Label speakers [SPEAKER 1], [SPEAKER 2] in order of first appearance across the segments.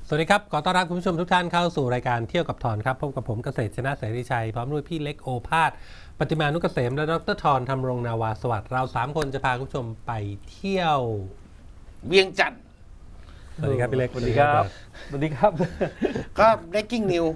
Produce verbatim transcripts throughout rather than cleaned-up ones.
[SPEAKER 1] สวัสดีครับขอต้อนรับคุณผู้ชมทุกท่านเข้าสู่รายการเที่ยวกับทอนครับพบกับผมเกษตรชนะเสรีชัยพร้อมด้วยพี่เล็กโอภาสปฏิมานุกเกษมและดรทอนธรรมรงนาวาสวัสดิ์เราสามคนจะพาคุณผู้ชมไปเที่ยว
[SPEAKER 2] เวียงจันทร์
[SPEAKER 1] สวัสดีครับพี่เล็ก
[SPEAKER 3] สวัสดีครับสวัสดีครับ
[SPEAKER 2] ก็ breaking news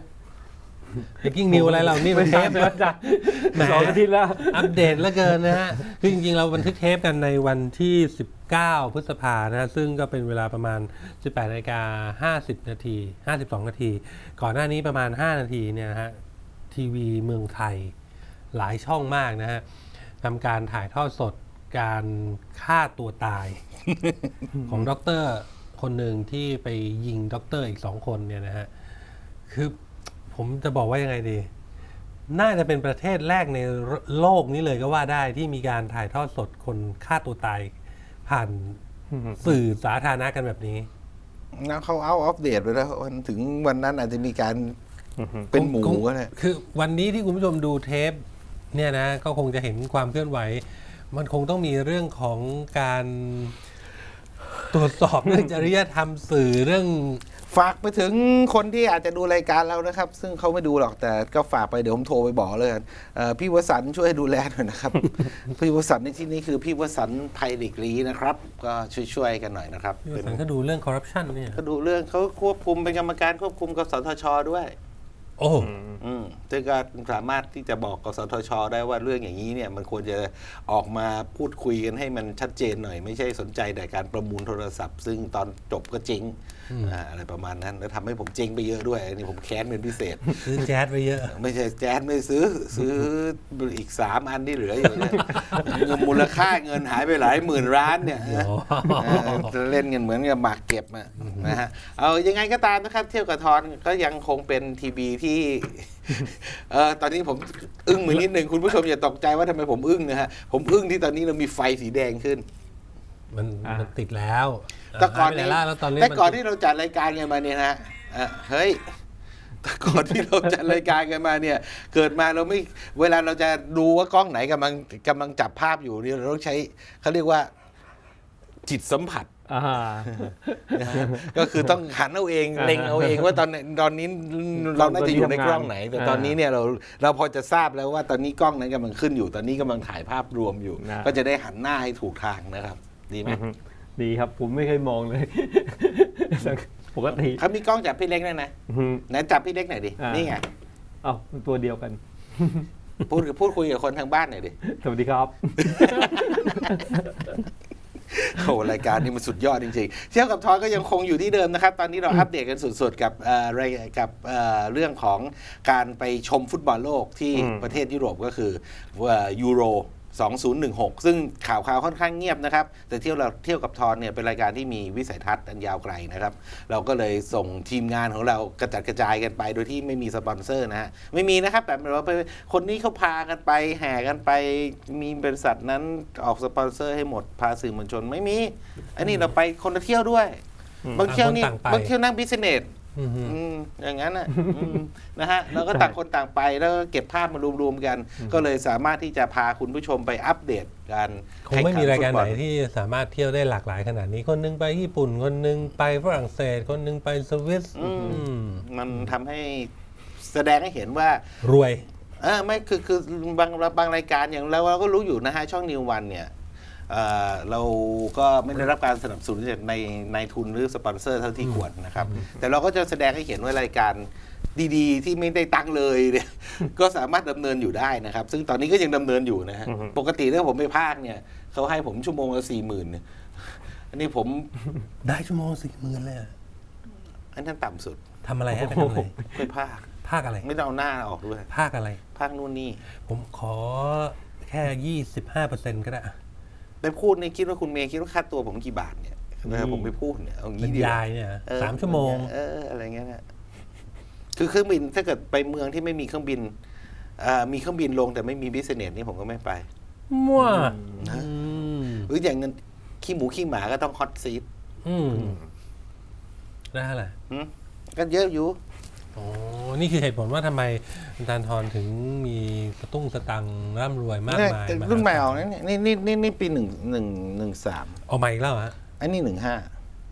[SPEAKER 1] breaking news อะไรเรานี่เป็นเทปนะ
[SPEAKER 3] จ้ะสองอาทิตย์แล้ว
[SPEAKER 1] อัปเดตแล้วเกินนะฮะคือจริงๆเราบันทึกเทปกันในวันที่สิบเก้าพฤษภานะฮะซึ่งก็เป็นเวลาประมาณ สิบแปดนาฬิกาห้าสิบนาทีห้าสิบสองนาทีก่อนหน้านี้ประมาณห้านาทีเนี่ยนะฮะทีวีเมืองไทยหลายช่องมากนะฮะทำการถ่ายทอดสดการฆ่าตัวตาย ของด็อกเตอร์คนหนึ่งที่ไปยิงด็อกเตอร์อีกสองคนเนี่ยนะฮะคือผมจะบอกว่ายังไงดีน่าจะเป็นประเทศแรกในโลกนี้เลยก็ว่าได้ที่มีการถ่ายทอดสดคนฆ่าตัวตายผ่านสื่อสาธารณะกันแบบนี้
[SPEAKER 2] แล้วเขาเอาอัปเดตไปแล้ววันถึงวันนั้นอาจจะมีการเป็นหมูก็ได้
[SPEAKER 1] คือวันนี้ที่คุณผู้ชมดูเทปเนี่ยนะก็คงจะเห็นความเคลื่อนไหวมันคงต้องมีเรื่องของการตรวจสอบเรื่องจริยธรรมสื่อเรื่อง
[SPEAKER 2] ฝากไปถึงคนที่อาจจะดูรายการเรานะครับ ซึ่งเขาไม่ดูหรอกแต่ก็ฝากไปเดี๋ยวผมโทรไปบอกเลยพี่วสันต์ช่วยดูแลหน่อยนะครับ พี่วสันต์ในที่นี้คือพี่วสันต์ไพลิกลีนะครับก็ช่วยๆกันหน่อยนะครับ
[SPEAKER 1] พี่วสันต์ก็ดูเรื่องคอร์รัปชันเนี่ย
[SPEAKER 2] ก็ดูเรื่องเขาควบคุมเป็นกรรมการควบคุมกสทชด้วย
[SPEAKER 1] โอ้
[SPEAKER 2] อืมซึ่งก็สามารถที่จะบอกกสทชได้ว่าเรื่องอย่างนี้เนี่ยมันควรจะออกมาพูดคุยกันให้มันชัดเจนหน่อยไม่ใช่สนใจแต่การประมูลโทรศัพท์ซึ่งตอนจบก็เจ๊งอะไรประมาณนั้นแล้วทำให้ผมเจ๊งไปเยอะด้วยอันนี้ผมแค้นเป็นพิเศษ
[SPEAKER 1] ซื้อแจ๊สไปเยอะ
[SPEAKER 2] ไม่ใช่แจ๊สไม่ซื้อซื้ออีกสามอันที่เหลืออยู่เนี่ยมูลค่าเงินหายไปหลายหมื่นล้านเนี่ยเล่นเงินเหมือนกับหมากเก็บนะฮะเอายังไงก็ตามนะครับเที่ยวกับทอนก็ยังคงเป็นทีวีที่เออตอนนี้ผมอึ้งมือนิดหนึ่งคุณผู้ชมอย่าตกใจว่าทำไมผมอึ้งนะฮะผมอึ้งที่ตอนนี้เรามีไฟสีแดงขึ้น
[SPEAKER 1] มันมันติดแล้ว
[SPEAKER 2] แต่ก่อนนี้แต่ก่อนที่เราจัดรายการกันมาเนี่ยนะเฮ้ยแต่ก่อนที่เราจัดรายการกันมาเนี่ยเกิดมาเราไม่เวลาเราจะดูว่ากล้องไหนกำลังกำลังจับภาพอยู่เนี่ยเราต้องใช้เขาเรียกว่าจิตสัมผัสก็คือต้องหันเอาเองเล็งเอาเองว่าตอนตอนนี้เราน่าจะอยู่ในกล้องไหนแต่ตอนนี้เนี่ยเราเราพอจะทราบแล้วว่าตอนนี้กล้องนั้นกำลังขึ้นอยู่ตอนนี้กำลังถ่ายภาพรวมอยู่ก็จะได้หันหน้าให้ถูกทางนะครับดีไหม
[SPEAKER 3] ดีครับผมไม่เคยมองเลยปกติ
[SPEAKER 2] เขามีกล้องจับพี่เล็กได้นะไหนจับพี่เล็กหน่อยดินี่ไง
[SPEAKER 3] เอ้าตัวเดียวกัน
[SPEAKER 2] พูดพูดคุยกับคนทางบ้านหน่อยดิ
[SPEAKER 3] สวัสดีครับ
[SPEAKER 2] โอ้รายการนี้มันสุดยอดจริงๆเที่ยวกับทอยก็ยังคงอยู่ที่เดิมนะครับตอนนี้เราอัปเดตกันสุดๆกับอะไรกับเรื่องของการไปชมฟุตบอลโลกที่ประเทศยุโรปก็คือยูโรสองพันสิบหกซึ่งข่าวข่าวค่อนข้างเงียบนะครับแต่เที่ยวเราเที่ยวกับทอนเนี่ยเป็นรายการที่มีวิสัยทัศน์อันยาวไกลนะครับเราก็เลยส่งทีมงานของเรากระจัดกระจายกันไปโดยที่ไม่มีสปอนเซอร์นะฮะไม่มีนะครับแบบเราไปคนนี้เขาพากันไปแห่กันไปมีบริษัทนั้นออกสปอนเซอร์ให้หมดพาสื่อมวลชนไม่มีอันนี้เราไปคนละเที่ยวด้วยบางเที่ยวนี่บางเที่ยวนั่งบิสเนสอย่างนั้นนะนะฮะเราก็ต่างคนต่างไปแล้วก็เก็บภาพมารวมๆกันก็เลยสามารถที่จะพาคุณผู้ชมไปอัปเดตการ
[SPEAKER 1] คงไม่มีรายการไหนที่สามารถเที่ยวได้หลากหลายขนาดนี้คนนึงไปญี่ปุ่นคนนึงไปฝรั่งเศสคนนึงไปสวิส
[SPEAKER 2] มันทำให้แสดงให้เห็นว่าร
[SPEAKER 1] วย
[SPEAKER 2] เออไม่คือคือบางบางรายการอย่างเราเราก็รู้อยู่นะฮะช่องนิววันเนี่ยเราก็ไม่ได้รับการสนับสนุนจากในในทุนหรือสปอนเซอร์เท่าที่ควรนะครับแต่เราก็จะแสดงให้เห็นว่ารายการดีๆที่ไม่ได้ตั้งเลยเนี่ยก็สามารถดำเนินอยู่ได้นะครับซึ่งตอนนี้ก็ยังดำเนินอยู่นะฮะปกติถ้าผมไปภาคเนี่ยเขาให้ผมชั่วโมงละสี่หมื่นอันนี้ผม
[SPEAKER 1] ได้ชั่วโมงสี่หมื่นเลย
[SPEAKER 2] อันนั้นต่ำสุด
[SPEAKER 1] ทำอะไรให้ไปทำอะไร
[SPEAKER 2] ไปภาค
[SPEAKER 1] ภาคอะไร
[SPEAKER 2] ไม่ต้องเอาหน้าออกด้วย
[SPEAKER 1] ภาคอะไร
[SPEAKER 2] ภาคนู่นนี่
[SPEAKER 1] ผมขอแค่ยี่สิบห้าเปอร์เซ็นต์ก็ได้
[SPEAKER 2] ไปพูดนี่คิดว่าคุณเมย์คิดว่าค่าตัวผมกี่บาทเนี่ยนะผมไปพูดเนี่ยเอางี้
[SPEAKER 1] ดียายเนี่ยสามชั่วโมง
[SPEAKER 2] เอออะไรเงี้ยนะคือเครื่องบินถ้าเกิดไปเมืองที่ไม่มีเครื่องบินมีเครื่องบินลงแต่ไม่มีบิสเนสนี่ผมก็ไม่ไป
[SPEAKER 1] มั่ว
[SPEAKER 2] หรืออย่างนั้นขี้หมูขี้หมาก็ต้องฮอตซีท
[SPEAKER 1] ได้อะไร
[SPEAKER 2] ก็เยอะอยู่
[SPEAKER 1] อ๋อนี่คือเหตุผลว่าทำไมอาจารย์ทรถึงมีสตุ้งสตังร่ำรวยมากมาย
[SPEAKER 2] รุ่นใหม่ออกนี่นี่นี่นี่นี่ปีหนึ่งหนึ่งหนึ่งสาม
[SPEAKER 1] เอาใหม่อีกแล้วฮะ
[SPEAKER 2] อันนี้หนึ่งห้า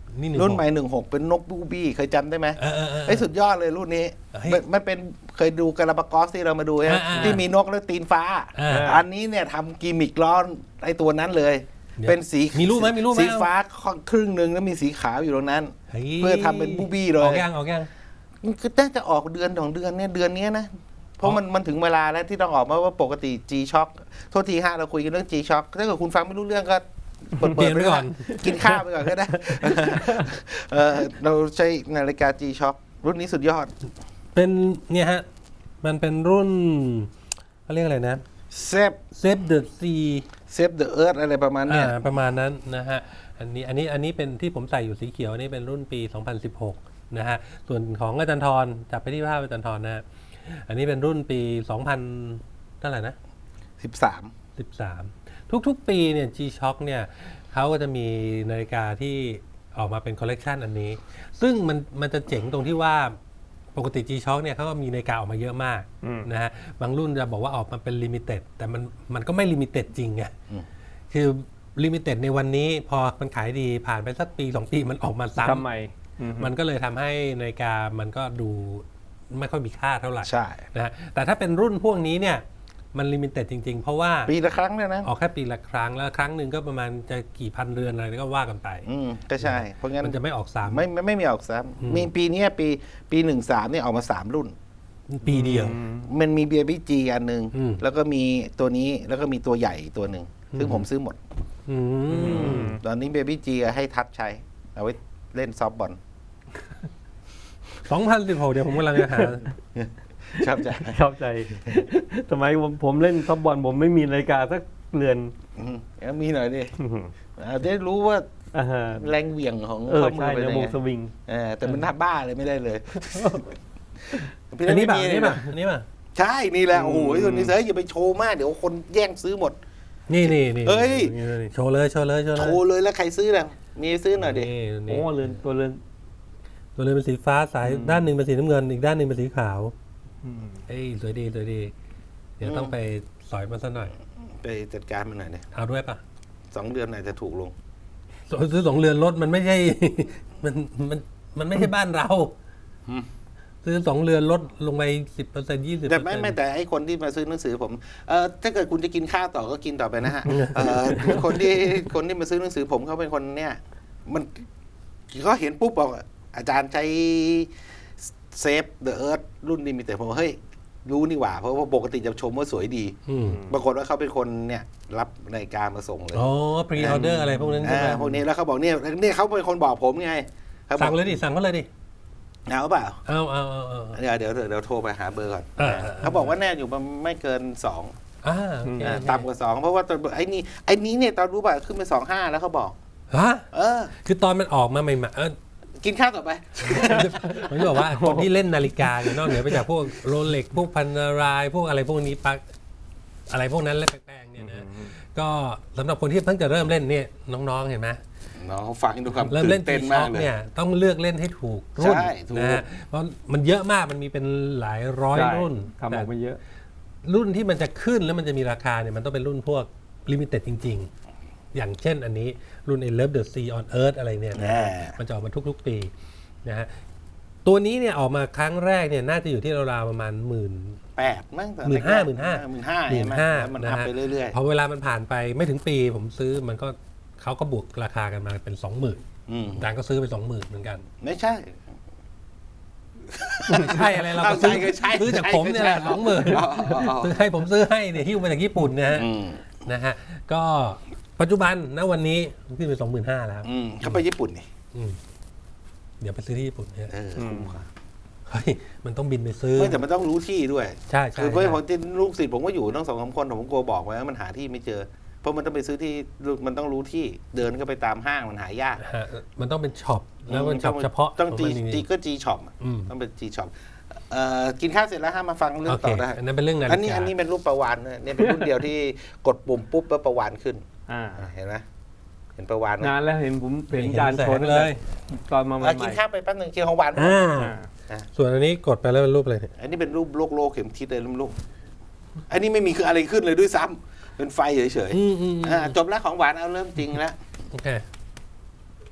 [SPEAKER 1] นี่หนึ่ง
[SPEAKER 2] รุ่นใหม่หนึ่งหกเป็นนกบูบี้เคยจำได้ไหม
[SPEAKER 1] เออเออเออ
[SPEAKER 2] ไอ้ยสุดยอดเลยรุ่นนี้
[SPEAKER 1] เฮ้ย
[SPEAKER 2] มันมันเป็นเคยดูกาลาปากอสที่เรามาดูใช่ไหม
[SPEAKER 1] อ่าอ่า
[SPEAKER 2] ที่มีนกแล้วตีนฟ้า
[SPEAKER 1] อ่า
[SPEAKER 2] อันนี้เนี่ยทำกิมมิกล้อนไอ้ตัวนั้นเลย
[SPEAKER 1] เดี๋ยว
[SPEAKER 2] เป็นสี
[SPEAKER 1] มีรูปไหมมีรูปไหม
[SPEAKER 2] สีฟ้าครึ่งหนึ่งแล้วมีสีขาวอยู่ตรงนั้น
[SPEAKER 1] ฮ้ย
[SPEAKER 2] เพื่อทำเป็นบูบี้เล
[SPEAKER 1] ออย กยังออกยัง
[SPEAKER 2] มันคือน่าจะออกเดือนของเดือนเนี่ยเดือนนี้นะ เพราะมันมันถึงเวลาแล้วที่ต้องออกมาว่าปกติ G Shock โทษทีฮะเราคุยกันเรื่อง G Shock ถ้าเกิดคุณฟังไม่รู้เรื่องก็เปิด
[SPEAKER 1] เปลี่ยน
[SPEAKER 2] ๆ
[SPEAKER 1] ไปก่อน
[SPEAKER 2] กินข้าวไปก่อนก็ได้ เออเราใช้นาฬิกา G Shock รุ่นนี้สุดยอด
[SPEAKER 1] เป็นเนี่ยฮะมันเป็นรุ่นเขาเรียกอะไรนะ
[SPEAKER 2] เซฟ
[SPEAKER 1] Save the Sea
[SPEAKER 2] เซฟเดอะเอิร์ธอะไรประมาณเนี้ย
[SPEAKER 1] อ่าประมาณนั้นนะฮะอันนี้อันนี้อันนี้เป็นที่ผมใส่อยู่สีเขียวอันนี้เป็นรุ่นปี สองพันสิบหก นะฮะส่วนของอาจารย์ทรจับไปที่ภาพอาจารย์ทรนะฮะอันนี้เป็นรุ่นปี สองพัน เท่าไหร่นะ
[SPEAKER 2] สิบสาม
[SPEAKER 1] สิบสาม ทุกๆ ปีเนี่ย G-Shock เนี่ยเขาก็จะมีนาฬิกาที่ออกมาเป็นคอลเลกชันอันนี้ ซึ่งมันมันจะเจ๋งตรงที่ว่าปกติ G-Shock เนี่ยเขาก็มีนาฬิกาออกมาเยอะมากนะฮะบางรุ่นจะบอกว่าออกมาเป็นลิมิเต็ดแต่มันมันก็ไม่ลิมิเต็ดจริงไงคือลิมิเต็ดในวันนี้พอมันขายดีผ่านไปสักปีสองปีมันออกมาซ้ำ
[SPEAKER 3] ทำไมอืม
[SPEAKER 1] มันก็เลยทำให้นาฬิกามันก็ดูไม่ค่อยมีค่าเท่าไหร่
[SPEAKER 2] ใช่
[SPEAKER 1] นะฮะแต่ถ้าเป็นรุ่นพวกนี้เนี่ยมันลิมิเต็ดจริงๆ เพราะว่า
[SPEAKER 2] ปีละครั้งเนี่ยนะ
[SPEAKER 1] ออกแค่ปีละครั้งแล้วครั้งหนึ่งก็ประมาณจะกี่พันเรือนอะไรก็ว่ากันไป
[SPEAKER 2] อืมก็ใช่ เพราะงั้น
[SPEAKER 1] มันจะไม่ออกสาม
[SPEAKER 2] ไม่ไม่ไม่มีออกซ้ำมีปีเนี้ยปีปีหนึ่งสามเนี่ยออกมาสามรุ่น
[SPEAKER 1] ปีเดียว
[SPEAKER 2] มันมีเบียร์บี้จีอันหนึ่ง
[SPEAKER 1] อืม
[SPEAKER 2] แล้วก็มีตัวนี้แล้วก็มีตัวใหญ่ตัวหนึ่งซึ่งผมซื้อหมด
[SPEAKER 1] อืม
[SPEAKER 2] ตอนนี้เบียร์บี้จีให้ทัชใช้ เอาไว้เล่นซอฟต์บอล
[SPEAKER 1] สองพันสิบหกเดี๋ยวผมกำลังจะหา
[SPEAKER 2] ชอบใจ
[SPEAKER 3] ชอบใจ สมัยผมผมเล่นท็อปบอลผมไม่มีนาฬิกาสักเรือน
[SPEAKER 2] อืมเอามีหน่อยดิเอาได้รู้ว่า
[SPEAKER 3] อ่าฮะ
[SPEAKER 2] แรงเหวี่ยงของ
[SPEAKER 3] เออ
[SPEAKER 2] ข้อมื
[SPEAKER 3] ใช่
[SPEAKER 2] อเป็น
[SPEAKER 3] ใน
[SPEAKER 2] ยัง
[SPEAKER 3] วง
[SPEAKER 2] ไง
[SPEAKER 3] สวิง
[SPEAKER 2] เออแต่มันน่าบ้าเลยไม่ได้เลย
[SPEAKER 1] อันนี้ป่ะ
[SPEAKER 2] พี่
[SPEAKER 1] อัน
[SPEAKER 2] ไม่มี
[SPEAKER 1] นี้ป่ะอันนี้ป่ะ
[SPEAKER 2] ใช่นี่แหละโอ้โหตัวนี้เฮ้ยอย่าไปโชว์มากเดี๋ยวคนแย่งซื้อหมด
[SPEAKER 1] นี่นี่นี่
[SPEAKER 2] เอ้ย
[SPEAKER 1] นี่นี่โชว์เลยโชว์เลยโชว์เลย
[SPEAKER 2] โชว์เลยแล้วใครซื้อล่ะมีซื้อหน่อยดิ
[SPEAKER 1] นี่
[SPEAKER 3] โอ้
[SPEAKER 1] นี่
[SPEAKER 3] เรือนตัวเรือน
[SPEAKER 1] ตัวเลยเป็นสีฟ้าสายด้านหนึ่งเป็นสีน้ำเงินอีกด้านหนึ่งเป็นสีขาว
[SPEAKER 3] อืม
[SPEAKER 1] เอ้ยสวยดีสวยดี เดี๋ยวต้องไปสอยมันซะหน่อย
[SPEAKER 2] ไปจัดการมันหน่อยดิ
[SPEAKER 1] เอาด้วยป่ะ
[SPEAKER 2] สองเดือนไหนจะถูกลง
[SPEAKER 1] ซื้อสองเรือนรถมันไม่ใช่ มันมันมันไม่ใช่บ้านเรา
[SPEAKER 2] อืม
[SPEAKER 1] ซื้อสองเรือนลดลงไปสิบเปอร์เซ็นต์ยี่สิบ
[SPEAKER 2] แต่ไม่ไม่แต่ไอ้คนที่มาซื้อหนังสือผมเออถ้าเกิดคุณจะกินข้าวต่อก็กินต่อไปนะฮะเออคนที่คนที่มาซื้อหนังสือผมเขาเป็นคนเนี่ยมันเขาเห็นปุ๊บบอกอาจารย์ใช้เซฟเดอะเอิร์ธรุ่นนี้มีแต่ผมว่าเฮ้ยรู้นี่หว่า เพราะว่าปกติจะชมว่าสวยดี
[SPEAKER 1] อืม
[SPEAKER 2] ปรากฏว่าเขาเป็นคนเนี่ยรับนาฬิกามาส่งเลย
[SPEAKER 1] อ๋อพรีออเดอร์อะไรพวกนั้นใช่ไหม
[SPEAKER 2] อ่าพวกนี้แล้วเขาบอกเนี่ยเนี่ยเขาเป็นคนบอกผมไงเขาบอ
[SPEAKER 1] สั่
[SPEAKER 2] ก
[SPEAKER 1] งเลยดิสั่งเขาเลยดิ
[SPEAKER 2] เอาเปล่า
[SPEAKER 1] เอาเอาเอาเอา
[SPEAKER 2] เดี๋ยวเดี๋ยวเดี๋ยวโทรไปหาเบอร์ก่อน
[SPEAKER 1] อ่าอ่า
[SPEAKER 2] เขาบอกว่าแน่อยู่มันไม่เกินสอง
[SPEAKER 1] อ่าโอเค
[SPEAKER 2] อ่าต่ำกว่าสองเพราะว่าตอนไอ้นี่ไอ้นี้เนี่ยตอนรู้ป่ะขึ้นไปสองห้าแล้วเขาบอก
[SPEAKER 1] ฮะ
[SPEAKER 2] เออ
[SPEAKER 1] คือตอนมันออกมาใหม่ๆเออ
[SPEAKER 2] กินข้าวต่อไป
[SPEAKER 1] ผมจะบอกว่าคนที่เล่นนาฬิกาเนี่ยนอกเหนือไปจากพวกโรเล็กพวกพันนารายพวกอะไรพวกนี้ปักอะไรพวกนั้นและแป้งๆเนี่ยนะก็สำหรับคนที่เพิ่งจะเริ่มเล่นเนี่ยน้องๆเห็นไหม
[SPEAKER 2] น้องฟังดูความ
[SPEAKER 1] เริ่ม
[SPEAKER 2] ตื่
[SPEAKER 1] เล่
[SPEAKER 2] น
[SPEAKER 1] น
[SPEAKER 2] เต้
[SPEAKER 1] ตี
[SPEAKER 2] น
[SPEAKER 1] ช็
[SPEAKER 2] มา
[SPEAKER 1] อก ก
[SPEAKER 2] เลย
[SPEAKER 1] เนี่ยต้องเลือกเล่นให้ถูกรุ่น
[SPEAKER 2] ใช่ถูก
[SPEAKER 1] นะฮะเพราะมันเยอะมากมันมีเป็นหลายร้อย
[SPEAKER 3] ใช่
[SPEAKER 1] รุ่น
[SPEAKER 3] ทำออกมาเยอะ
[SPEAKER 1] รุ่นที่มันจะขึ้นแล้วมันจะมีราคาเนี่ยมันต้องเป็นรุ่นพวกลิมิเต็ดจริง ๆ อย่างเช่นอันนี้รุ่น I Love the Sea on Earth อะไรเนี่ยนะ
[SPEAKER 2] แน่
[SPEAKER 1] มันจะออกมาทุกๆปีนะฮะตัวนี้เนี่ยออกมาครั้งแรกเนี่ยน่าจะอยู่ที่ราวๆประมาณหมื่น
[SPEAKER 2] แปดมั้งตอ
[SPEAKER 1] หมื่นห้าหมื่นห้า
[SPEAKER 2] หมื่นห้า
[SPEAKER 1] หมื่
[SPEAKER 2] ใช่
[SPEAKER 1] น
[SPEAKER 2] ไหม
[SPEAKER 1] ห้า
[SPEAKER 2] แล้วมัน
[SPEAKER 1] นะ
[SPEAKER 2] อัพ
[SPEAKER 1] ฮะ
[SPEAKER 2] ไปเรื่อย
[SPEAKER 1] พอเวลามันผ่านไปไม่ถึงปีผมซื้อมันก็เขาก็บวกราคากันมาเป็นสองหมื่น
[SPEAKER 2] ๆอืม
[SPEAKER 1] จางก็ซื้อไปสองหมื่นเหมือนกัน
[SPEAKER 2] ไม่ใช่
[SPEAKER 1] ไม่ใช่อะไรเราก็ซื้อ
[SPEAKER 2] เอาใช่ก็ใช่
[SPEAKER 1] ซื้อจากผมเนี่ยแหละ
[SPEAKER 2] ใช่
[SPEAKER 1] สองหมื่น
[SPEAKER 2] อ๋ออ๋ออ๋อ
[SPEAKER 1] ซื้อให้ผมซื้อให้เนี่ยหิ้วมาจากญี่ปุ่นนะฮะ
[SPEAKER 2] อืม
[SPEAKER 1] นะฮะก็ปัจจุบันณวันนี้ขึ้นไปสองหมื่นห้าแล้ว
[SPEAKER 2] อืมเขาไปญี่ปุ่นนี่
[SPEAKER 1] อืมเดี๋ยวไปซื้อที่ญี่ปุ่นเนี่ย
[SPEAKER 2] เออคุ้มค่ะ
[SPEAKER 1] เฮ้ยมันต้องบินไปซื้อ
[SPEAKER 2] ไม่แต่มันต้องรู้ที่ด้วย
[SPEAKER 1] ใช่ใช่
[SPEAKER 2] คือเพื่อน
[SPEAKER 1] ใช่
[SPEAKER 2] ผมที่ลูกศิษย์ผมก็อยู่ตั้งสองสามคนผมกลัวบอกไว้ว่ามันหาที่ไม่เจอ เพราะมันต้องไปซื้อที่มันต้องรู้ที่เดินก็ไปตามห้างมันหายาก
[SPEAKER 1] ฮะมันต้องเป็นช็อปแล้วเป็นช็อปเฉพาะ
[SPEAKER 2] ต้องจี
[SPEAKER 1] ขมันจริงๆ
[SPEAKER 2] จีก็จีช็อป
[SPEAKER 1] อืม
[SPEAKER 2] ต้องเป็นจีช็อปเอ่อกินข้าวเสร็จแล้วห้ามมาฟังเรื่อ
[SPEAKER 1] โอง เค
[SPEAKER 2] ต่อได้
[SPEAKER 1] อันนั้นเป็นเรื่องนาฬิกา
[SPEAKER 2] อันนี้อันนี้เป็นรูปประวานนะเนี่ยเป็นรุ่นเดียวที่กดปุ่มปุ๊บแล้วประวานขึ้น
[SPEAKER 3] อ่า
[SPEAKER 2] อ่ะเห็นไหมเห็นประวานไหม
[SPEAKER 3] นานแล้วเห็นผมเห็น
[SPEAKER 1] เห็น
[SPEAKER 3] จาน
[SPEAKER 1] แสง
[SPEAKER 3] โชว์
[SPEAKER 1] เลย
[SPEAKER 3] ตอนมาให
[SPEAKER 2] เอ่อกิ
[SPEAKER 3] ม่
[SPEAKER 2] นข้าวไปแป๊บนึงกินของหวาน
[SPEAKER 1] อ่า
[SPEAKER 3] ๆอ่า
[SPEAKER 1] ส่วนอันนี้กดไปแล้วเป็นรูปอะไรเนี่ย
[SPEAKER 2] อันนี้เป็นรูปโลกโลกเข็มทิศเลยลูกอันนี้ไม่มีคืออะไรขึ้นเลยด้วยซ้ำเป็นไฟเฉย
[SPEAKER 1] อืมอืม
[SPEAKER 2] ๆอ่าจบแล้วของหวานเอาเริ่มจริงแล้ว
[SPEAKER 1] โอเค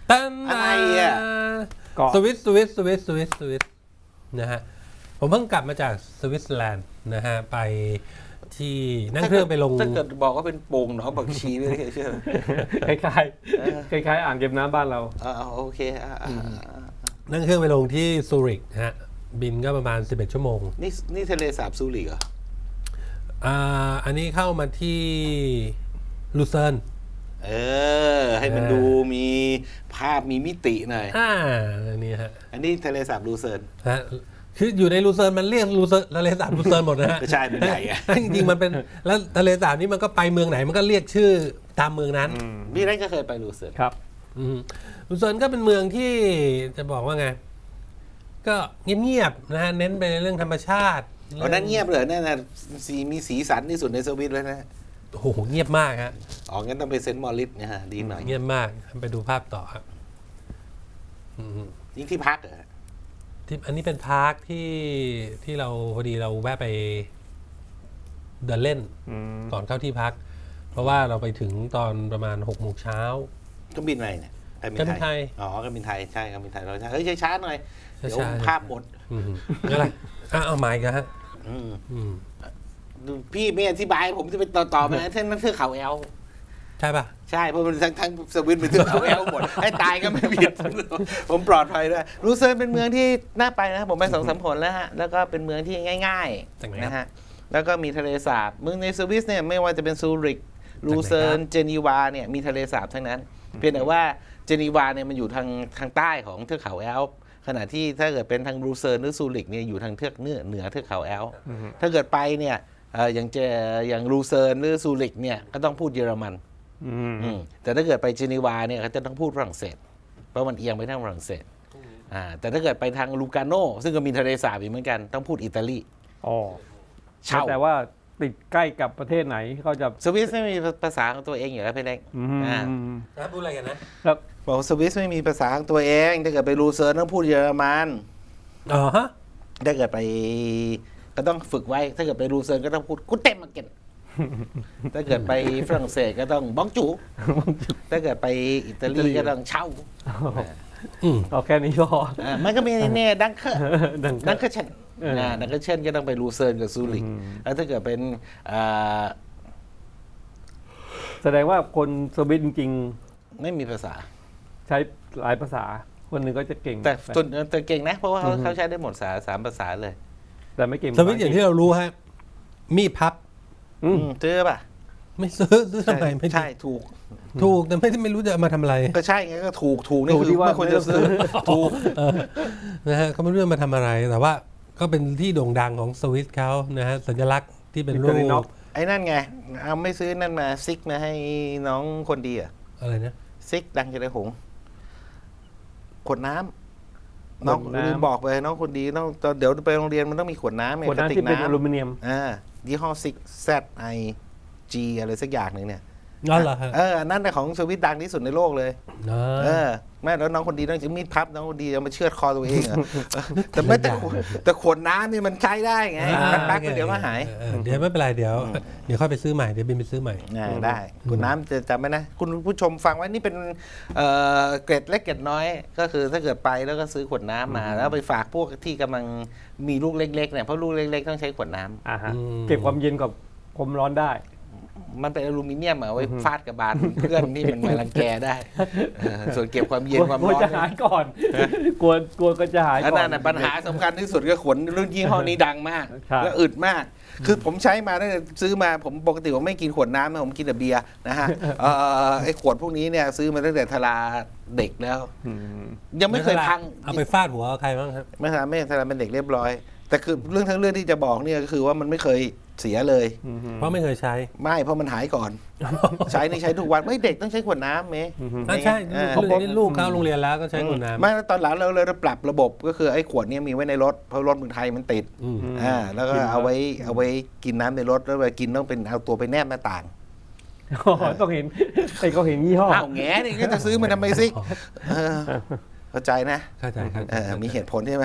[SPEAKER 1] ตัน
[SPEAKER 2] อะไรอ่ะ
[SPEAKER 3] เกาะ
[SPEAKER 1] สวิสสวิสสวิสสวิสสวิสนะฮะผมเพิ่งกลับมาจากสวิตเซอร์แลนด์นะฮะไปที่นั่งเครื่องไปลง
[SPEAKER 2] ถ้าเกิดบอกว่าเป็นโป่งหนองผักชีไม่ได้เชื่อ
[SPEAKER 3] คล้ายๆคล้ายๆอ่างเก็บน้ำบ้านเรา
[SPEAKER 2] อ่าโอเคอ่าอ่าอ่า
[SPEAKER 1] นั่งเครื่องไปลงที่ซูริกฮะบินก็ประมาณสิบเอ็ดชั่วโมง
[SPEAKER 2] นี่นี่ทะเลสาบซูริกเหรอ
[SPEAKER 1] อ่าอันนี้เข้ามาที่ลูเซิร์น
[SPEAKER 2] เออ ให้มันดูมีภาพมีมิติหน่อย
[SPEAKER 1] อ่าอันนี้ฮะ
[SPEAKER 2] อันนี้ทะเลสาบลูเซิร์น
[SPEAKER 1] ฮะคืออยู่ในลูเซิร์นมันเรียกลูเซิร์นทะเลสาบลูเซิร์นหมดนะฮะ
[SPEAKER 2] ก็ใช่เป็นใหญ่อะ
[SPEAKER 1] จริงๆมันเป็นแล้วทะเลสาบนี้มันก็ไปเมืองไหนมันก็เรียกชื่อตามเมืองนั้น
[SPEAKER 2] พี่นั่นก็เคยไปลูเซิร์น
[SPEAKER 3] ครับ
[SPEAKER 1] อืมลูเซิร์นก็เป็นเมืองที่จะบอกว่าไง ก็เงียบๆนะฮะเน้นไปในเรื่องธรรมชาติ
[SPEAKER 2] อ๋อนั่นเงียบเลยนั่นน่ะสีมีสีสันที่สุดในสวิตเลยนะ
[SPEAKER 1] โอ้โหเงียบมากฮะ
[SPEAKER 2] อ๋องั้นต้องไปเซนต์มอริสนะฮะดีหน่อย
[SPEAKER 1] เงียบมากไปดูภาพต่อครับอืม
[SPEAKER 2] ยิ่งที่พักเหรอ
[SPEAKER 1] ที่อันนี้เป็นพาร์คที่ที่เราพอดีเราแวะไปเดินเล่น
[SPEAKER 3] อืม
[SPEAKER 1] ก่อนเข้าที่พัก เพราะว่าเราไปถึงตอนประมาณหกโมงเช้า
[SPEAKER 2] ก็บินอะไรเนี่ย
[SPEAKER 1] การบินไทย
[SPEAKER 2] อ๋อการบินไทยใช่การบินไทยเราใช่เฮ้ยช้าๆหน่อยเดี๋ยว
[SPEAKER 1] ช้าๆ
[SPEAKER 2] ภาพหมด
[SPEAKER 1] อืมอะไรอ่ะเอาไม้กันฮะ
[SPEAKER 2] อืม
[SPEAKER 1] อืม
[SPEAKER 2] พี่ไม่อธิบายผมจะไปต่อต่อไปนะท่านนั่นเทือกเขาแอล
[SPEAKER 1] ใช่ป่ะ
[SPEAKER 2] ใช่เพราะมันทั้งทั้งสวิตเป็นเทือกเขาแอลหมด ให้ตายก็ไม่ผิด ผมปลอดภัยด้วยรูเซิร์นเป็นเมืองที่น่าไปนะผมไปสองสามผลแล้วฮะแล้วก็เป็นเมืองที่ง่าย
[SPEAKER 1] จากไหน
[SPEAKER 2] ๆ
[SPEAKER 1] ครับ
[SPEAKER 2] นะฮะแล้วก็มีทะเลสาบเมืองในสวิสเนี่ยไม่ว่าจะเป็นซูริกรูเซิร์นเจนีวาเนี่ยมีทะเลสาบทั้งนั้น เพียงแต่ว่าเจนีวาเนี่ยมันอยู่ทางทางใต้ของเทือกเขาแอลป์ขณะที่ถ้าเกิดเป็นทางรูเซิร์นหรือซูริกเนี่ยอยู่ทางเทือกเหนือเหนือเทือกเขาแอลป์ถ้าเกิดไปเนี่ยเอ่ออย่างเจอย่างรูเซิร์นหรือซูริกเนี่ยก็ต้องพูดเยอรมัน
[SPEAKER 3] อืม
[SPEAKER 2] อืมแต่ถ้าเกิดไปเจนีวาเนี่ยเขาจะต้องพูดฝรั่งเศส เพราะมันเอียงไปทางฝรั่งเศสอ่าแต่ถ้าเกิดไปทางลูกาโนซึ่งก็มีทะเลสาบอีกเหมือนกันต้องพูดอิตาลี
[SPEAKER 3] อ๋อ
[SPEAKER 2] เช่า
[SPEAKER 3] แต่ว่าติดใกล้กับประเทศไหนก็จะ
[SPEAKER 2] สวิสไม่มีภาษาของตัวเองอยู่แล้วพี่เล็ก
[SPEAKER 3] อืม
[SPEAKER 2] อ่า
[SPEAKER 1] แล้วพูดอะไรกันนะ
[SPEAKER 3] แล้ว
[SPEAKER 2] บอกสวิสไม่มีภาษาของตัวเองถ้าเกิดไปรูเซิร์นต้องพูดเยอรมัน
[SPEAKER 1] อ๋อฮะ
[SPEAKER 2] ถ้าเกิดไปก็ต้องฝึกไว้ ถ้าเกิดไปรูเซิร์นก็ต้องพูดกุเต็มมาเก็ตถ้าเกิดไปฝรั่งเศสก็ต้องบ้องจู ถ้าเกิดไปอิตาลีก็ต้องเช่า
[SPEAKER 1] อืม
[SPEAKER 3] เอาแค่นี้ก็
[SPEAKER 2] อ่ามันก็มีเนี่ยดังเคอร์
[SPEAKER 3] ดัง
[SPEAKER 2] ดังเคอร์เชน
[SPEAKER 3] เอออ่
[SPEAKER 2] าดังเคอร์เชนก็ต้องไปรูเซิร์นกับซูริก
[SPEAKER 3] อืม
[SPEAKER 2] แล้วถ้าเกิดเป็นอ่า
[SPEAKER 3] แสดงว่าคนสวิตจริง
[SPEAKER 2] ไม่มีภาษา
[SPEAKER 3] ๆ ใช้หลายภาษา คนหนึ่งก็จะเก่ง
[SPEAKER 2] แต่ส่วนแต่เก่งนะ เพราะว่าเขา
[SPEAKER 3] อืม
[SPEAKER 2] เขาใช้ได้หมดสาสามภาษาเลย
[SPEAKER 3] แต่ไม่เก่ง
[SPEAKER 1] สวิตช์อย่างที่เรารู้ฮะมีดพับ
[SPEAKER 3] อืม
[SPEAKER 2] อืมซื้อป่ะ
[SPEAKER 1] ไม่ซื้อซื้อทำไมไม่
[SPEAKER 2] ใช่ถูก
[SPEAKER 1] ถูกแต่ไม่ไม่รู้จะเอามาทำอะไร
[SPEAKER 2] ก็ใช่ไงก็ถูกถูกนี่
[SPEAKER 3] ถูก
[SPEAKER 2] คือ
[SPEAKER 3] ที่ว่า
[SPEAKER 2] ไม่ควรจะซื้อถูก
[SPEAKER 1] เออนะฮะเขาไม่รู้จะมาทำอะไร แต่ว่าก็เป็นที่โด่งดังของสวิตเขานะฮะสัญลักษณ์ที่เป็นรูป
[SPEAKER 3] Victorinox
[SPEAKER 2] ไอ้นั่นไงเอาไม่ซื้อนั่นมาซิกมาให้น้องคนดีอ่ะ
[SPEAKER 1] อะไรนะ
[SPEAKER 2] ซิกดังจะได้หงส์ขวดน้ำน้อง
[SPEAKER 3] ขวดน้ำ
[SPEAKER 2] ลืมบอกไปน้องคนดีต้องตอนเดี๋ยวไปโรงเรียนมันต้องมีขวดน้ำไง
[SPEAKER 3] คน
[SPEAKER 2] กระ
[SPEAKER 3] นั้น
[SPEAKER 2] ติก
[SPEAKER 3] ที่เป็นอลู
[SPEAKER 2] น้ำ
[SPEAKER 3] มิเนียม
[SPEAKER 2] อ่ายี่ห้อซิก Z I G อะไรสักอย่างหนึ่งเนี่ย
[SPEAKER 1] นั่นเหรอฮะ
[SPEAKER 2] เอออันนั่นน่ะของสวิตดังที่สุดในโลกเลย
[SPEAKER 1] นะ
[SPEAKER 2] เออแม่แล้วน้องคนดีต้องจะมีดพับน้องคนดีเอามาเชือดคอตัวเองเหรอเออแต่ไม่แต่ขวดแต่ขวดน้ำนี่มันใช้ได้ไง
[SPEAKER 1] อ่า
[SPEAKER 2] แป๊บๆก็เดี๋ยวก็หาย
[SPEAKER 1] เออเดี๋ยวไม่เป็นไรเดี๋ยว เดี๋ยวค่อยไปซื้อใหม่เดี๋ยวบินไปซื้อใหม่
[SPEAKER 2] อ่าได้ขวดน้ำจะจำไว้นะ คุณผู้ชมฟังไว้นี่เป็นเอ่อเกร็ดเล็กเกร็ดน้อย ก็คือถ้าเกิดไปแล้วก็ซื้อขวดน้ำมา แล้วไปฝากพวกที่กำลังมีลูกเล็กๆเนี่ยเพราะลูกเล็กๆต้องใช้ขวดน้ำ
[SPEAKER 3] อ่าฮะ
[SPEAKER 1] อืม
[SPEAKER 3] เก็บความเย็นกับความร้อนได้
[SPEAKER 2] มันเป็นอลูมิเนียมอะไว้ฟาดกับบานเพื่อนที่มันมารังแกได้เออส่วนเก็บความเย็นความ
[SPEAKER 3] กลัว
[SPEAKER 2] ร้อน
[SPEAKER 3] จะหายก่อน กลัวกลัวก็จะหาย
[SPEAKER 2] อัน
[SPEAKER 3] ก่อ
[SPEAKER 2] นั้น นน่ะปัญหาสำคัญที่สุดก็ขวดรุ่นยี่ห้อนี้ดังมาก
[SPEAKER 3] ใช่
[SPEAKER 2] และอึดมาก คือผมใช้มาตั้งแต่ซื้อมาผมปกติผมไม่กินขวดน้ำนะผมกินแต่เบียร์นะฮะเอ่อไอ้ขวดพวกนี้เนี่ยซื้อมาตั้งแต่ทลาเด็กแล้ว
[SPEAKER 3] อืม
[SPEAKER 2] ยังไม่เคยพัง
[SPEAKER 1] เอาไปฟาดหัวใครบ้างครับ
[SPEAKER 2] ไม่ทำไม่ทำเป็นเด็กเรียบร้อย แต่คือเรื่องทั้งเรื่องที่จะบอกเนี่ยก็คือว่ามันไม่เคยเสียเลย
[SPEAKER 3] อืม
[SPEAKER 1] เพราะไม่เคยใช้
[SPEAKER 2] ไม่เพราะมันหายก่อน ใช้นี่ใช้ทุกวันไม่เด็กต้องใช้ขวดน้ำเมย์
[SPEAKER 1] อ่ะใช่
[SPEAKER 2] เออ
[SPEAKER 1] ลูกนี่ลูกเข้าโรงเรียนแล้วก็ใช้ขวดน้ำ
[SPEAKER 2] ไม่แล้วตอนหลังเราเลยปรับระบบก็คือไอ้ขวดเนี้มีไว้ในรถเพราะรถเมืองไทยมันติด
[SPEAKER 1] อืม
[SPEAKER 2] อ่าแล้วก็เอาไว้เอาไว้กินน้ำในรถแล้วเวลากินต้องเป็นเอาตัวไปแนบหน้าต่าง
[SPEAKER 3] อ๋อต้องเห็นไอ้เขาเห็นยี่ห้อ
[SPEAKER 2] อ้าวแง่นี่ก็จะซื้อมาทำไมซิเออเข้าใจนะ
[SPEAKER 1] เข้าใจเข้าใจ
[SPEAKER 2] เออมีเหตุผลใช่ไหม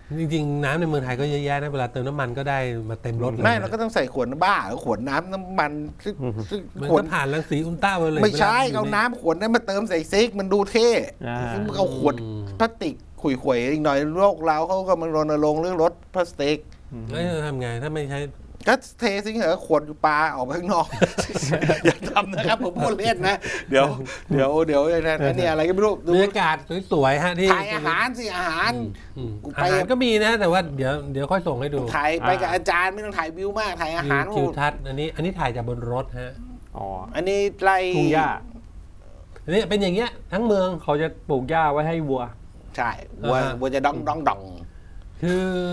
[SPEAKER 1] จริงๆน้ำในเมืองไทยก็เยอะแยะนะเวลาเติมน้ำมันก็ได้มาเต็มรถเลย
[SPEAKER 2] ไม่เราก็ต้องใส่ขวดบ้าขวดน้ำน้ำมันซึ่งซึ่ง
[SPEAKER 1] มัน
[SPEAKER 2] ขว
[SPEAKER 1] ก็
[SPEAKER 2] ด
[SPEAKER 1] ผ่านรังสีอุลตราไวโอเลต
[SPEAKER 2] ไม่ใช่
[SPEAKER 1] วลยู่
[SPEAKER 2] เอา
[SPEAKER 1] ใน
[SPEAKER 2] น้ำขวดนั้นมาเติมใส่ซิกมันดูเท่
[SPEAKER 3] อ่า
[SPEAKER 2] ซึ่งเอาขวดพลาสติกขุยๆอีกหน่อยโลกเราเขาก็มารณรงค์เรื่องลดพลาสติก
[SPEAKER 1] แล้วจะทำไงถ้าไม่ใช้
[SPEAKER 2] ก็เทสิเหรอขวดปลาออกไปข้างนอก อย่าทำนะครับผมพูดเล่นนะ เดี๋ยวเดี๋ยวเดี๋ยวนะเนี่ยอะไรก็ไม่รู้
[SPEAKER 1] บ
[SPEAKER 2] ดู
[SPEAKER 1] รรยากาศสวยๆฮะที่
[SPEAKER 2] ถ่ายอาหารสิอาหาร
[SPEAKER 1] อืม
[SPEAKER 2] กู
[SPEAKER 1] อา
[SPEAKER 2] ไป
[SPEAKER 1] หารก็มีนะแต่ว่าเดี๋ยวเดี๋ยวค่อยส่งให้ดู
[SPEAKER 2] ถ่ายไปกับอาจารย์ไม่ต้องถ่ายวิวมากถ่ายอาหาร
[SPEAKER 1] ทิวทัศน์อันนี้อันนี้ถ่ายจากบนรถฮะ
[SPEAKER 3] อ๋อ
[SPEAKER 2] อันนี้ไล่
[SPEAKER 3] ทุ่งหญ้า
[SPEAKER 1] อันนี้เป็นอย่างเงี้ยทั้งเมือง
[SPEAKER 3] เขาจะปลูกหญ้าไว้ให้วัว
[SPEAKER 2] ใช่วัว
[SPEAKER 1] อ่าฮะ
[SPEAKER 2] วัวจะดองดองดอง
[SPEAKER 1] คือ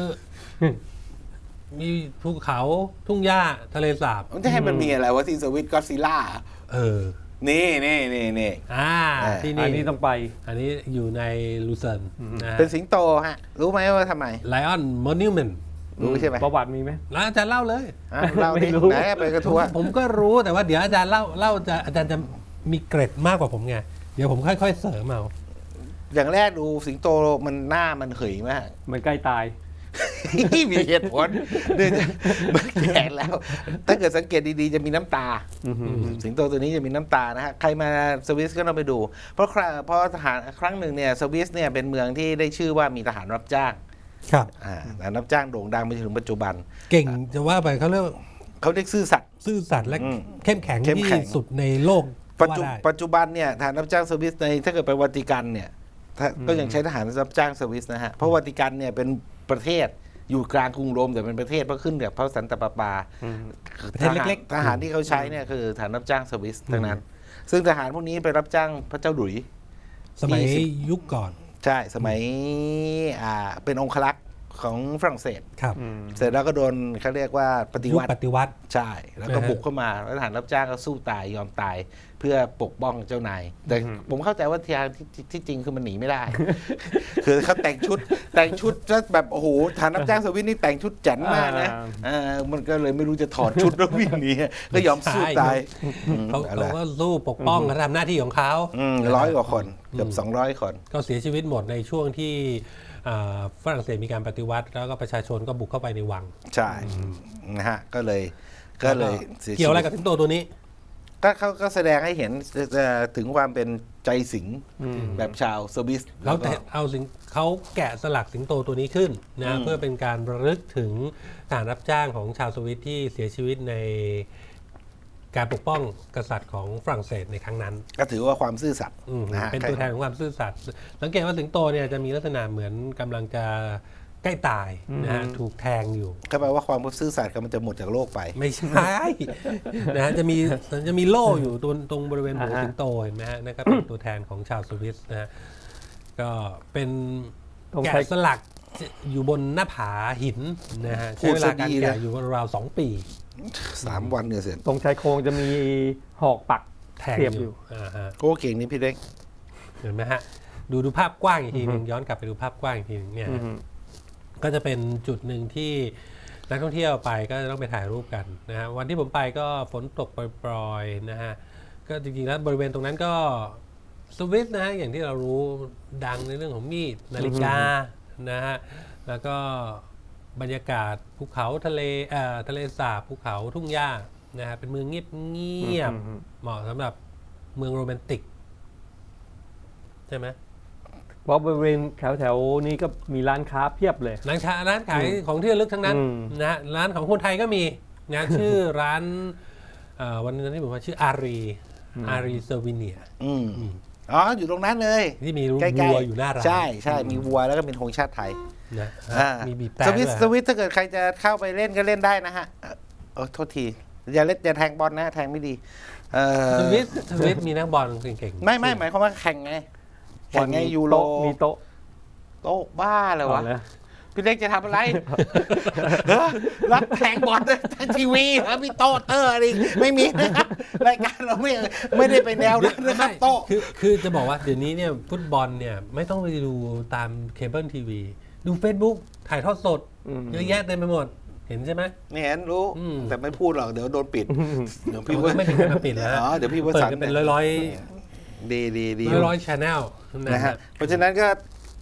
[SPEAKER 1] มีภูเขาทุ่งหญ้าทะเลสาบ
[SPEAKER 2] มันจะให้มันมีอะไรวะที่สวิตก็ซิล่า
[SPEAKER 1] เออ
[SPEAKER 2] นี่นี่นี่นี่
[SPEAKER 1] อ่า
[SPEAKER 2] อ่า
[SPEAKER 1] ที่
[SPEAKER 3] อัน
[SPEAKER 1] นี่
[SPEAKER 3] นี้ต้องไป
[SPEAKER 1] อันนี้อยู่ในลูเซิร์นนะฮะ
[SPEAKER 2] เป็นสิงโตฮะ รู้ไหมว่าทำไม
[SPEAKER 1] ไลออนมอนิวเมนต์
[SPEAKER 2] รู้ใช่ไหม
[SPEAKER 3] ประวัติมีไหม
[SPEAKER 1] แล้วอาจารย์เล่าเลย
[SPEAKER 2] อ่ะเรา
[SPEAKER 3] ไม่
[SPEAKER 2] ดิ
[SPEAKER 3] รู้
[SPEAKER 2] ไหนไปกระทัว
[SPEAKER 1] ผมก็รู้แต่ว่าเดี๋ยวอาจารย์เล่าเล่าจะอาจารย์จะมีเกร็ดมากกว่าผมไงเดี๋ยวผมค่อยๆเสริมเอา
[SPEAKER 2] อย่างแรกดูสิงโตมันหน้ามันเหยมาก
[SPEAKER 3] มันใกล้ตาย
[SPEAKER 2] มีเหตุผลเนื่องจากมันแก่แล้ว ถ้าเกิดสังเกตดีๆ จะมีน้ำตา
[SPEAKER 3] อือหือ
[SPEAKER 2] สิงโตตัวนี้จะมีน้ำตานะฮะ ใครมาสวิสก็ต้องไปดู เพราะคราเพราะทหารครั้งหนึ่งเนี่ยสวิสเนี่ยเป็นเมืองที่ได้ชื่อว่ามีทหารรับจ้าง
[SPEAKER 1] ครับ
[SPEAKER 2] อ่าทหารรับจ้างโด่งดังไปจนถึงปัจจุบัน
[SPEAKER 1] เก่งจะว่าไปเขาเรียกว่า
[SPEAKER 2] เขาเรียกซื่อสัตย์
[SPEAKER 1] ซื่อสัตย์และ
[SPEAKER 2] อืม
[SPEAKER 1] เข้มแข็ง
[SPEAKER 2] เข้ม
[SPEAKER 1] ที่
[SPEAKER 2] แข็ง
[SPEAKER 1] สุดในโลก
[SPEAKER 2] ปัจจุ
[SPEAKER 1] ก็ว่าได้
[SPEAKER 2] ปัจจุบันเนี่ยทหารรับจ้างสวิสในถ้าเกิดไปวัติกันเนี่ยถ้าก็ยังใช้ทหารรับจ้างสวิสนะฮะ เพราะวัติกันเนี่ยเป็นประเทศอยู่กลางกรุงโรมแต่เป็นประเทศเพราะขึ้นกับพระสันตะปาปา
[SPEAKER 3] อืม
[SPEAKER 1] ประเทศเล็กๆ
[SPEAKER 2] ทหารที่เขาใช้เนี่ยคือทหารรับจ้างสวิสทั้งนั้น ซึ่งทหารพวกนี้ไปรับจ้างพระเจ้าหลุยส์
[SPEAKER 1] สมัย
[SPEAKER 2] ที่สิบ
[SPEAKER 1] ยุคก่อน
[SPEAKER 2] ใช่สมัยอ่าเป็นองครักษ์ของฝรั่งเศส
[SPEAKER 1] ครับ
[SPEAKER 3] อืม
[SPEAKER 2] เสร็จแล้วก็โดนเขาเรียกว่าปฏิ
[SPEAKER 1] ยุค
[SPEAKER 2] วัติ
[SPEAKER 1] ปฏิวัติ
[SPEAKER 2] ใช่ แล้วก็
[SPEAKER 1] นะฮะ
[SPEAKER 2] บุกเข้ามาแล้วทหารรับจ้างก็สู้ตายยอมตาย เพื่อปกป้องเจ้านาย แต่
[SPEAKER 3] อืม
[SPEAKER 2] ผมเข้าใจว่าที่ที่ที่จริงคือมันหนีไม่ได้ คือเขาแต่งชุดแต่งชุดแล้วแบบโอ้โหทหารรับจ้างสวิสนี่แต่งชุดแจ๋นมากนะเออมันก็เลยไม่รู้จะถอดชุดแล้ววิ่งหนีก็ยอมสู้ตายอืม
[SPEAKER 1] เขา
[SPEAKER 2] อะไร
[SPEAKER 1] เขาก็สู้ปกป้องเขาทำหน้าที่ของเขา
[SPEAKER 2] อืมร้อยกว่าคนเกือบสองร้อยคน
[SPEAKER 1] ก็เสียชีวิตหมดในช่วงที่อ่าฝรั่งเศสมีการปฏิวัติ แล้วก็ประชาชนก็บุกเข้าไปในวัง
[SPEAKER 2] ใช่นะฮะก็เลยก็เลยสีชีวิต
[SPEAKER 1] เกี่ยวอะไรกับสิงโตตัวนี้
[SPEAKER 2] ก็เขาก็แสดงให้เห็นเอ่อถึงความเป็นใจสิง
[SPEAKER 3] อืม
[SPEAKER 2] แบบชาวสวิส
[SPEAKER 1] เขา
[SPEAKER 2] แล้วก็
[SPEAKER 1] แต่เอาสิงเขาแกะสลักสิงโตตัวนี้ขึ้น
[SPEAKER 2] อื
[SPEAKER 1] นะ
[SPEAKER 2] ม
[SPEAKER 1] เพื่อเป็นการระลึกถึงทหารรับจ้างของชาวสวิตที่เสียชีวิตในการปกป้องกษัตริย์ของฝรั่งเศสในครั้งนั้น
[SPEAKER 2] ก็ถือว่าความซื่อสัตย์
[SPEAKER 1] อืม
[SPEAKER 2] นะฮะ
[SPEAKER 1] เป็นตัวแทนของความซื่อสัตย์สังเกตว่าสิงโตเนี่ยจะมีลักษณะเหมือนกำลังจะใกล้ตายนะฮะ
[SPEAKER 3] อืม
[SPEAKER 1] ถูกแทงอยู่
[SPEAKER 2] ก็แปลว่าความซื่อสัตย์ก็มันจะหมดจากโลกไป
[SPEAKER 1] ไม่ใช่ นะฮะจะมีจะมีโล่อยู่ตรงตรงบริเวณหัว
[SPEAKER 3] อ่าฮะ
[SPEAKER 1] สิงโตเห็นไหมฮะนั่นก็เป็นตัวแทนของชาวสวิสนะฮะก็เป็น
[SPEAKER 3] ต้อง
[SPEAKER 1] แกะ
[SPEAKER 3] ใช้
[SPEAKER 1] สลักอยู่บนหน้าผาหินนะฮะ
[SPEAKER 2] พู
[SPEAKER 1] ใช้
[SPEAKER 2] ด
[SPEAKER 1] เว
[SPEAKER 2] ซะ
[SPEAKER 1] ลาการ
[SPEAKER 2] ดี
[SPEAKER 1] แกะ
[SPEAKER 2] นะ
[SPEAKER 1] อยู่ราวๆสองปี
[SPEAKER 2] สามวันเนี่ยเสร็จ
[SPEAKER 3] ตรงชายโครงจะมีหอกปัก
[SPEAKER 1] แทง
[SPEAKER 3] เสียบ
[SPEAKER 1] อ
[SPEAKER 3] อยู่
[SPEAKER 1] ยู่อ่าฮะ
[SPEAKER 2] โก้เก่งนี่พี่เล็ก
[SPEAKER 1] เห็นไหมฮะดูดูภาพกว้างอีกทีหนึ่งย้อนกลับไปดูภาพกว้างอีกทีหนึงเนี่ย
[SPEAKER 3] อื
[SPEAKER 1] ฮะ
[SPEAKER 3] ม
[SPEAKER 1] ก็จะเป็นจุดหนึ่งที่นักท่องเที่ยวไปก็จะต้องไปถ่ายรูปกันนะฮะวันที่ผมไปก็ฝนตกปรอยๆนะฮะก็จริงๆแล้วบริเวณตรงนั้นก็สวิสนะฮะอย่างที่เรารู้ดังในเรื่องของมีดนาฬิกานะฮะแล้วก็บรรยากาศภูเขาทะเลเอ่อทะเลสาบภูเขาทุ่งหญ้านะฮะเป็นเมืองเงียบเงียบ
[SPEAKER 3] อืม
[SPEAKER 1] เหมาะสำหรับเมืองโรแมนติกใช่ไหม
[SPEAKER 3] เพราะบริเวณแถวแถวๆนี้ก็มีร้านค้าเพียบเลย
[SPEAKER 1] ร้านค้าร้านขายของที่ระลึกทั้งนั้น
[SPEAKER 3] อืม
[SPEAKER 1] นะฮะร้านของคนไทยก็มีนะ ชื่อร้านเอ่อวันนั้นที่ผมว่าชื่ออารีอารีเซอร์วิเนีย
[SPEAKER 2] อืมอ๋ออยู่ตรงนั้นเลย
[SPEAKER 1] ที่มี
[SPEAKER 2] ใกล้ๆ
[SPEAKER 1] วัวอยู่หน้าร้าน
[SPEAKER 2] ใช่ใช่มีวัวแล้วก็เป็นธงชาติไทย
[SPEAKER 1] นะ
[SPEAKER 2] อ่า
[SPEAKER 1] มีบีบแต่
[SPEAKER 2] สวิส
[SPEAKER 1] ด้วย
[SPEAKER 2] สวิสถ้าเกิดใครจะเข้าไปเล่นก็เล่นได้นะฮะเอ่อเออโทษทีอย่าเล่นอย่าแทงบอลนะแทงไม่ดีเออ
[SPEAKER 1] สวิสสวิสมีนักบอลเก่งๆ
[SPEAKER 2] ไม่ไม่หมายความว่าแข่งไงแข่งไงยูโร
[SPEAKER 3] โต๊ะมีโต๊ะ
[SPEAKER 2] โต๊ะบ้าเลยวะ
[SPEAKER 3] อาละ
[SPEAKER 2] พี่เล็กจะทำอะไร เฮ้อรับแข่งบอลทางทีวีเหรอมีโต๊ะเตอร์อะไรไม่มีนะครับรายการเราไม่ไม่ได้ไปแนวนั้นนะครับโต๊ะ
[SPEAKER 1] คือคือจะบอกว่าเดี๋ยวนี้เนี่ยฟุตบอลเนี่ยไม่ต้องไปดูตามเคเบิลทีวีดู Facebook ถ่ายทอดสด
[SPEAKER 3] อืม
[SPEAKER 1] เยอะแยะเต็มไปหมด เห็นใช่ไหม
[SPEAKER 2] ไม่เห็นรู้
[SPEAKER 1] อืม
[SPEAKER 2] แต่ไม่พูดหรอกเดี๋ยวโดนปิดเดี๋ยวพี่
[SPEAKER 1] พี่ว่าไม่ถึงกับมาปิดแล้วฮะ
[SPEAKER 2] อ๋อเดี๋ยวพี่ว
[SPEAKER 1] เปิด
[SPEAKER 2] สันต์
[SPEAKER 1] กันเป็นร้อยร้อย
[SPEAKER 2] ดีดีดี
[SPEAKER 1] ร้อยร้อยชแนลนะ
[SPEAKER 2] นะ
[SPEAKER 1] ฮะ
[SPEAKER 2] ฮะเพราะฉะนั้นก็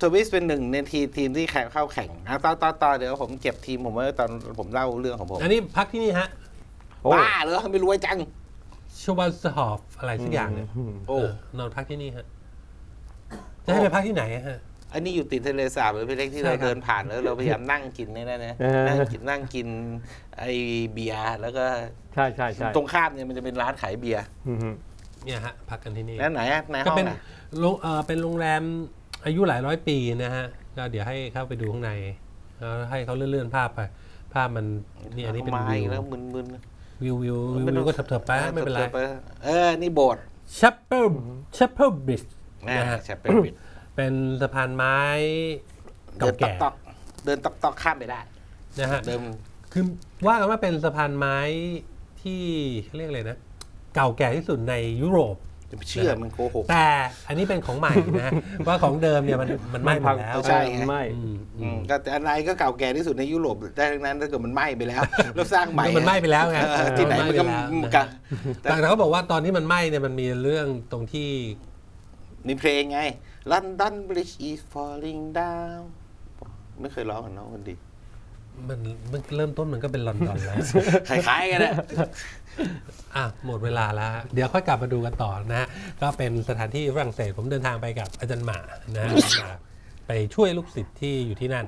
[SPEAKER 2] สวิสเป็นหนึ่งในทีมทีมที่แข่งเข้าแข่งอ่ะต่อต่อต่อเดี๋ยวผมเก็บทีมผมไว้ตอนผมเล่าเรื่องของผม
[SPEAKER 1] อันนี้พักที่นี่ฮะ
[SPEAKER 3] โอ้
[SPEAKER 2] บ้าเหรอไม่รวยจัง
[SPEAKER 1] ชวัลสฮอฟอะไรสักอย่างเนี่ย
[SPEAKER 2] โอ้
[SPEAKER 1] เออนอนพักที่นี่ฮะจะให้ไปพักที่ไหนอะฮะ
[SPEAKER 2] อันนี้อยู่ติดทะเลสาบหรือพี่เล็กที่
[SPEAKER 1] ใช่
[SPEAKER 2] เรา
[SPEAKER 1] ครับ
[SPEAKER 2] เดินผ่านแล้วเราพยายามนั่งกินนี่นะนะ
[SPEAKER 3] เออ
[SPEAKER 2] นั่งกินนั่งกินไอเบียร์แล้วก็
[SPEAKER 3] ใช่ใช่ใช่
[SPEAKER 2] ตรงข้ามเนี่ยมันจะเป็นร้านขายเบียร์
[SPEAKER 3] อืม
[SPEAKER 1] เนี่ยฮะพักกันที่นี่
[SPEAKER 2] แล้วไหนอะใน
[SPEAKER 1] ก็
[SPEAKER 2] ห้อง
[SPEAKER 1] เป็น
[SPEAKER 2] อะ
[SPEAKER 1] โรงเออเป็นโรงแรมอายุหลายร้อยปีนะฮะก็เดี๋ยวให้เข้าไปดูข้างในแล้วให้เขาเลื่อนๆภาพไป ภาพมันนี่อันนี้เป็น
[SPEAKER 2] ไม้
[SPEAKER 1] วิว
[SPEAKER 2] แล้วมึน
[SPEAKER 1] วิววิว
[SPEAKER 2] ๆ
[SPEAKER 1] วิว
[SPEAKER 2] ไม่ต้
[SPEAKER 1] วิ
[SPEAKER 2] อง
[SPEAKER 1] วก็เถิบๆไปไม่เป็นไร
[SPEAKER 2] ถิบๆเออนี่โบสถ์
[SPEAKER 1] ชัปเปิลชัปเปิลบริดจ์
[SPEAKER 2] นะ
[SPEAKER 1] นะฮะ
[SPEAKER 2] แชปเปลบิด
[SPEAKER 1] เป็นสะพานไม้
[SPEAKER 2] เดิ
[SPEAKER 1] เก่าน
[SPEAKER 2] ตอก
[SPEAKER 1] แก่
[SPEAKER 2] ตอกเดินตอกตอกข้ามไปได้
[SPEAKER 1] นะฮะ
[SPEAKER 2] เดิม
[SPEAKER 1] คือว่ากันว่าเป็นสะพานไม้ที่เขาเรียกอะไรนะ เก่าแก่ที่สุดในยุโรป
[SPEAKER 2] จะไปเชื่อมันโกหก
[SPEAKER 1] แต่อันนี้เป็นของใหม่นะ ว่าของเดิมเนี่ยมันมันไหม้หมดแล้ว
[SPEAKER 2] ใช่ไง
[SPEAKER 3] ไม่
[SPEAKER 1] อืม
[SPEAKER 2] อืมก็แต่อะไรก็เก่าแก่ที่สุดในยุโรปได้ทั้งนั้นถ้าเกิดมันไหม้ไปแล้ว แล้วสร้างใหม่
[SPEAKER 1] มันไหม้ไปแล้วไง
[SPEAKER 2] เออที่ไหนมันก็
[SPEAKER 1] ไหม้ไปแล้ว
[SPEAKER 2] กัน
[SPEAKER 1] แต่เขาบอกว่าตอนที่มันไหม้เนี่ยมันมีเรื่องตรงที่
[SPEAKER 2] มีเพลงไง London Bridge is falling down ไม่เคยร้องกับน้องคนดี
[SPEAKER 1] มันมันเริ่มต้นมันก็เป็นลอนดอนแล้ว
[SPEAKER 2] คล้ายๆกันนะ
[SPEAKER 1] อ่ะหมดเวลาแล้วฮะเดี๋ยวค่อยกลับมาดูกันต่อนะฮะก็เป็นสถานที่ฝรั่งเศสผมเดินทางไปกับอาจารย์หมานะฮะมาไปช่วยลูกศิษย์ที่อยู่ที่นั่น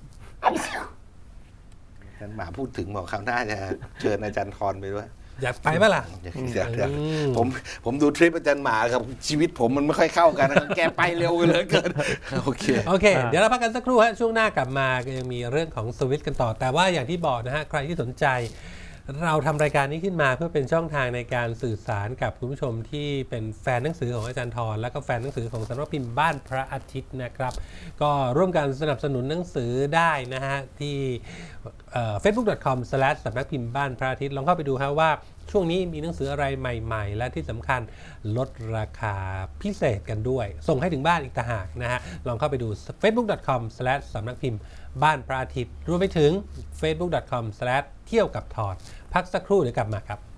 [SPEAKER 2] อาจารย์หมาพูดถึงบอกคราวหน้าจะเชิญอาจารย์ทรไปด้วย
[SPEAKER 1] อยากไปปะล่ะ
[SPEAKER 2] อยากอยากอยาก
[SPEAKER 1] อืม
[SPEAKER 2] ผมผมดูทริปอาจารย์หมากับชีวิตผมมันไม่ค่อยเข้ากันนะแกไปเร็วเหลือเกิน โอเค
[SPEAKER 1] โอเค เดี๋ยวเราพักกันสักครู่ฮะช่วงหน้ากลับมาก็ยังมีเรื่องของสวิตกันต่อ แต่ว่าอย่างที่บอกนะฮะใครที่สนใจ เราทำรายการนี้ขึ้นมาเพื่อเป็นช่องทางในการสื่อสารกับคุณผู้ชมที่เป็นแฟนหนังสือของอาจารย์ทรและก็แฟนหนังสือของสำนักพิมพ์บ้านพระอาทิตย์นะครับ ก็ร่วมกันสนับสนุนหนังสือได้นะฮะที่เฟซบุ๊ก ดอท คอม สแลช สำนักพิมพ์บ้านพระอาทิตย์ลองเข้าไปดูครับว่าช่วงนี้มีหนังสืออะไรใหม่ๆ และที่สำคัญลดราคาพิเศษกันด้วย ส่งให้ถึงบ้านอีกต่างหากนะฮะลองเข้าไปดู เฟซบุ๊ก ดอท คอม สแลช สำนักพิมพ์บ้านพระอาทิตย์รวมไปถึง เฟซบุ๊ก ดอท คอม สแลช เที่ยวกับทรพักสักครู่เดี๋ยวกลับมาครับ